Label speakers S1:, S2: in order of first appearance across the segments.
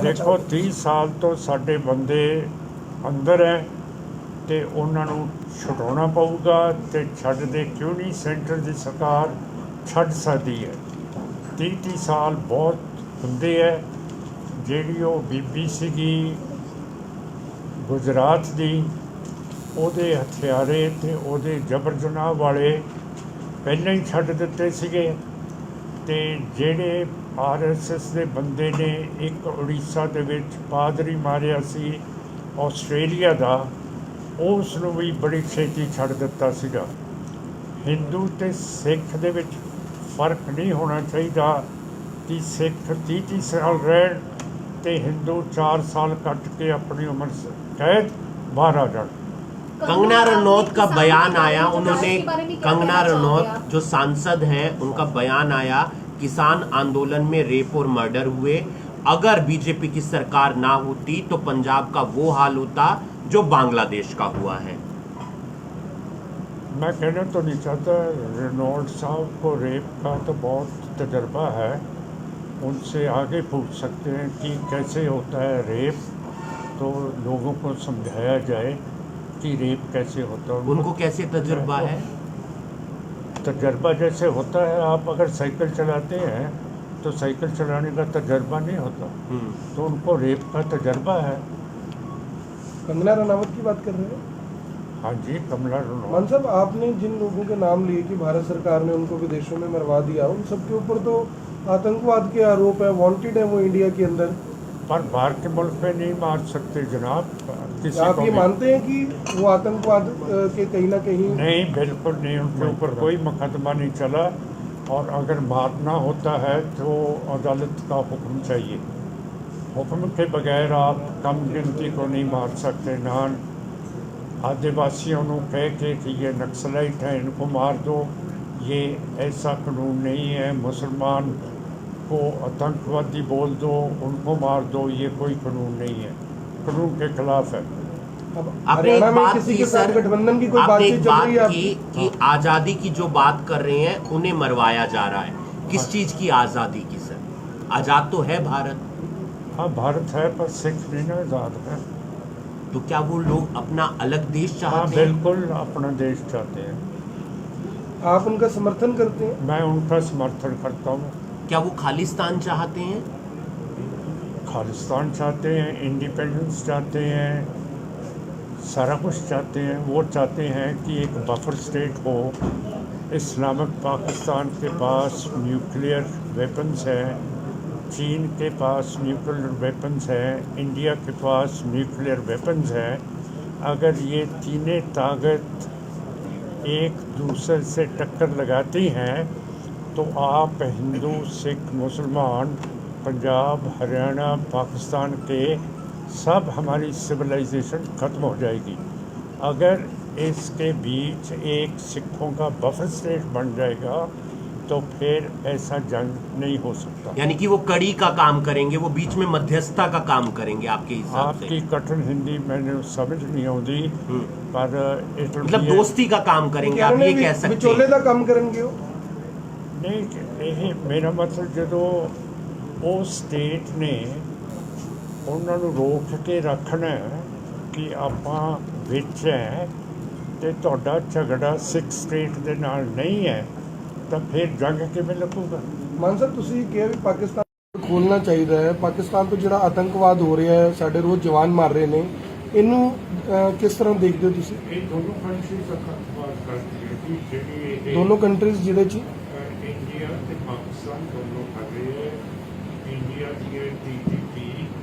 S1: कहना
S2: देखो
S1: चाहोगे?
S2: 30 साल तो साडे बंदे अंदर है ਤੇ ਉਹਨਾਂ ਨੂੰ ਛੁਡਾਉਣਾ ਪਊਗਾ ਤੇ ਛੱਡਦੇ ਕਿਉਂ ਨਹੀਂ। ਸੈਂਟਰ ਦੀ ਸਰਕਾਰ ਛੱਡ ਸਕਦੀ ਹੈ। 30 ਸਾਲ ਬਹੁਤ ਹੁੰਦੇ ਹੈ। ਜਿਹੜੀ ਉਹ ਬੀਬੀ ਸੀਗੀ ਗੁਜਰਾਤ ਦੀ, ਉਹਦੇ ਹਥਿਆਰੇ ਤੇ ਉਹਦੇ ਜਬਰ ਜਨਾਹ ਵਾਲੇ ਪਹਿਲਾਂ ਹੀ ਛੱਡ ਦਿੱਤੇ ਸੀਗੇ। ਤੇ ਜਿਹੜੇ RSS ਦੇ ਬੰਦੇ ਨੇ ਇੱਕ ਉੜੀਸਾ ਦੇ ਵਿੱਚ ਪਾਦਰੀ ਮਾਰਿਆ ਸੀ ਆਸਟ੍ਰੇਲੀਆ ਦਾ, ਉਸ ਨੂੰ ਵੀ ਬੜੀ ਛੇਤੀ ਛੱਡ ਦਿੱਤਾ ਸੀਗਾ। ਹਿੰਦੂ ਅਤੇ ਸਿੱਖ ਦੇ ਵਿੱਚ ਫਰਕ ਨਹੀਂ ਹੋਣਾ ਚਾਹੀਦਾ ਕਿ ਸਿੱਖ 30 ਸਾਲ ਰਹਿਣ ਅਤੇ ਹਿੰਦੂ 4 ਸਾਲ ਕੱਟ ਕੇ ਆਪਣੀ ਉਮਰ ਕੈਦ ਬਾਹਰ ਆ ਜਾਣ।
S3: कंगना रनौत का बयान आया, उन्होंने कंगना रनौत जो सांसद हैं उनका बयान आया, किसान आंदोलन में रेप और मर्डर हुए, अगर बीजेपी की सरकार ना होती तो पंजाब का वो हाल होता जो बांग्लादेश का हुआ है।
S2: मैं कहना तो नहीं चाहता, रेनॉल्ड साहब को रेप का तो बहुत तजर्बा है, उनसे आगे पूछ सकते हैं कि कैसे होता है रेप, तो लोगों को समझाया जाए कि रेप कैसे होता है।
S3: उनको कैसे तजुर्बा है?
S2: तजर्बा जैसे होता है, आप अगर साइकिल चलाते हैं तो साइकिल चलाने का तजर्बा नहीं होता, तो उनको रेप का तजर्बा है।
S1: कंगना रनावत की बात कर रहे हैं?
S2: हाँ जी, कमला रनौत।
S1: मान साहब, आपने जिन लोगों के नाम लिए कि भारत सरकार ने उनको विदेशों में मरवा दिया, उन सबके ऊपर तो आतंकवाद के आरोप है, वांटेड है वो इंडिया के अंदर।
S2: पर बाहर के मुल्क में नहीं मार सकते जनाब किसी
S1: आप
S2: को
S1: ये
S2: भी।
S1: मानते हैं कि वो आतंकवाद के कहीं ना कहीं?
S2: नहीं, बिल्कुल नहीं, उनके ऊपर कोई मुकदमा नहीं चला। और अगर मारना होता है तो अदालत का हुक्म चाहिए। हुक्म के बगैर आप कम गिनती को नहीं मार सकते। नान आदिवासियों को कह के कि ये नक्सलाइट हैं, इनको मार दो, ये ऐसा कानून नहीं है। मुसलमान को आतंकवादी बोल दो, उनको मार दो, ये कोई कानून नहीं है, कानून के खिलाफ है।
S1: अब
S3: आपने
S1: हरियाणा
S3: एक
S1: में
S3: बात
S1: किसी
S3: की
S1: के साथ
S3: सर,
S1: गठबंधन की कोई
S3: आपने
S1: बातचीत
S3: एक
S1: चल
S3: बात
S1: रही है
S3: की
S1: आपकी?
S3: कि आजादी की जो बात कर रहे हैं उन्हें मरवाया जा रहा है। किस चीज की आजादी की सर? आजाद तो है भारत।
S2: हाँ, भारत है, पर सिख नहीं ना आज़ाद है।
S3: तो क्या वो लोग अपना अलग देश
S2: हाँ,
S3: चाहते हैं?
S2: बिल्कुल अपना देश चाहते हैं।
S1: आप उनका समर्थन करते हैं?
S2: मैं उनका समर्थन करता हूँ।
S3: क्या वो खालिस्तान चाहते हैं?
S2: खालिस्तान चाहते हैं, इंडिपेंडेंस चाहते हैं, सारा कुछ चाहते हैं। वो चाहते हैं कि एक बफर स्टेट हो। इस्लामिक पाकिस्तान के पास न्यूक्लियर वेपन्स हैं, चीन के पास न्यूक्लियर वेपन्स हैं, इंडिया के पास न्यूक्लियर वेपन्स हैं। अगर ये तीनों ताकत एक दूसरे से टक्कर लगाती हैं तो आप हिंदू, सिख, मुसलमान, पंजाब, हरियाणा, पाकिस्तान के सब हमारी सिविलाइजेशन ख़त्म हो जाएगी। अगर इसके बीच एक सिखों का बफर स्टेट बन जाएगा तो फिर ऐसा जंग नहीं हो सकता।
S3: यानी कि वो कड़ी का काम करेंगे, वो बीच में मध्यस्थता का काम करेंगे आपके हिसाब
S2: आपकी
S3: से?
S2: कठिन हिंदी मैंने समझ नहीं आती, पर
S3: मतलब दोस्ती का काम करेंगे, आप ये कह सकते
S1: विचोले
S3: हैं?
S1: का काम करेंगे वो?
S2: नहीं, ਇਹ ਮੇਰਾ ਮਤਲਬ ਜਦੋਂ ਉਹ ਸਟੇਟ ਨੇ ਉਹਨਾਂ ਨੂੰ ਰੋਕ ਕੇ ਰੱਖਣਾ ਕਿ ਆਪਾਂ ਵਿੱਚ ਹੈ ਤੇ ਤੁਹਾਡਾ ਝਗੜਾ ਸਿੱਖ ਸਟੇਟ ਦੇ ਨਾਲ ਨਹੀਂ ਹੈ, ਤਾਂ ਫਿਰ ਜੰਗ ਕਿਵੇਂ ਲੱਗੂਗਾ।
S1: ਮਾਨ ਸਾਹਿਬ, ਤੁਸੀਂ ਕਿਹਾ ਵੀ ਪਾਕਿਸਤਾਨ ਖੋਲ੍ਹਣਾ ਚਾਹੀਦਾ ਹੈ। ਪਾਕਿਸਤਾਨ ਤੋਂ ਜਿਹੜਾ ਆਤੰਕਵਾਦ ਹੋ ਰਿਹਾ ਹੈ, ਸਾਡੇ ਰੋਜ਼ ਜਵਾਨ ਮਰ ਰਹੇ ਨੇ, ਇਹਨੂੰ ਕਿਸ ਤਰ੍ਹਾਂ ਦੇਖਦੇ ਹੋ ਤੁਸੀਂ?
S2: ਇਹ ਦੋਨੋਂ ਕੰਟਰੀਜ਼ ਆਤੰਕਵਾਦ ਕਰਦੀ ਹੈ ਕਿ ਜਿਹੜੀ
S1: ਦੋਨੋਂ ਕੰਟਰੀਜ਼ ਜਿਹਦੇ 'ਚ
S2: ਇੰਡੀਆ ਤੇ ਪਾਕਿਸਤਾਨ ਦੋਨੋਂ ਕਰ ਰਹੇ ਹੈ। ਇੰਡੀਆ ਦੀ TTP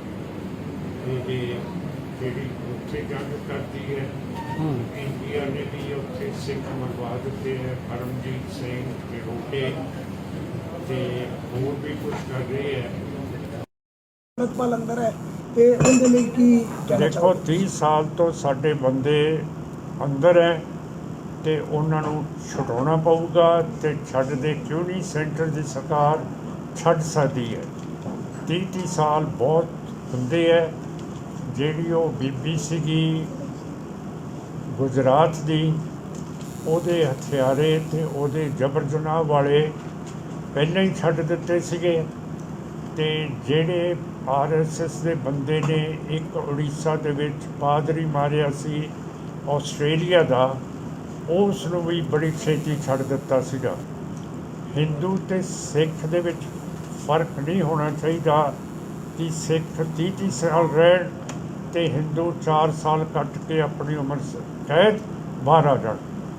S2: ਜਿਹੜੀ ਉੱਥੇ ਜੰਗ ਕਰਦੀ ਹੈ। ਇੰਡੀਆ ਨੇ ਵੀ ਉੱਥੇ ਸਿੱਖ ਮਰਵਾ ਦਿੱਤੇ ਹੈ, ਪਰਮਜੀਤ ਸਿੰਘ ਪਿਰੋਟੇ ਤੇ ਹੋਰ ਵੀ ਕੁਝ ਕਰ ਰਹੇ ਹੈ।
S1: ਅਮਰਪਾਲ ਅੰਦਰ ਹੈ ਤੇ ਉਹਦੇ ਲਈ ਕੀ ਕਹਿਣਾ
S2: ਦੇਖੋ
S1: ਚਾਹੋਗੇ?
S2: 30 ਸਾਲ ਤੋਂ ਸਾਡੇ ਬੰਦੇ ਅੰਦਰ ਹੈ ਤੇ ਉਹਨਾਂ ਨੂੰ ਛੁਡਾਉਣਾ ਪਊਗਾ ਤੇ ਛੱਡਦੇ ਕਿਉਂ ਨਹੀਂ। ਸੈਂਟਰ ਦੀ ਸਰਕਾਰ ਛੱਡ ਸਕਦੀ ਹੈ। 30 ਸਾਲ ਬਹੁਤ ਹੁੰਦੇ ਹੈ। ਜਿਹੜੀ ਉਹ ਬੀਬੀ ਸੀਗੀ ਗੁਜਰਾਤ ਦੀ, ਉਹਦੇ ਹਥਿਆਰੇ ਤੇ ਉਹਦੇ ਜਬਰ ਜਨਾਹ ਵਾਲੇ ਪਹਿਲਾਂ ਹੀ ਛੱਡ ਦਿੱਤੇ ਸੀਗੇ। ਤੇ ਜਿਹੜੇ ਆਰਐਸਐਸ ਦੇ ਬੰਦੇ ਨੇ ਇੱਕ ਉੜੀਸਾ ਦੇ ਵਿੱਚ ਪਾਦਰੀ ਮਾਰਿਆ ਸੀ ਆਸਟ੍ਰੇਲੀਆ ਦਾ, ਉਸ ਨੂੰ ਵੀ ਬੜੀ ਛੇਤੀ ਛੱਡ ਦਿੱਤਾ ਸੀਗਾ। ਹਿੰਦੂ ਤੇ ਸਿੱਖ ਦੇ ਵਿੱਚ ਫਰਕ ਨਹੀਂ ਹੋਣਾ ਚਾਹੀਦਾ ਕਿ ਸਿੱਖ 30 ਸਾਲ ਰਹਿਣ ਤੇ ਹਿੰਦੂ 4 ਸਾਲ ਕੱਟ ਕੇ ਆਪਣੀ ਉਮਰ ਕੈਦ ਬਾਹਰ ਆ ਜਾਣ।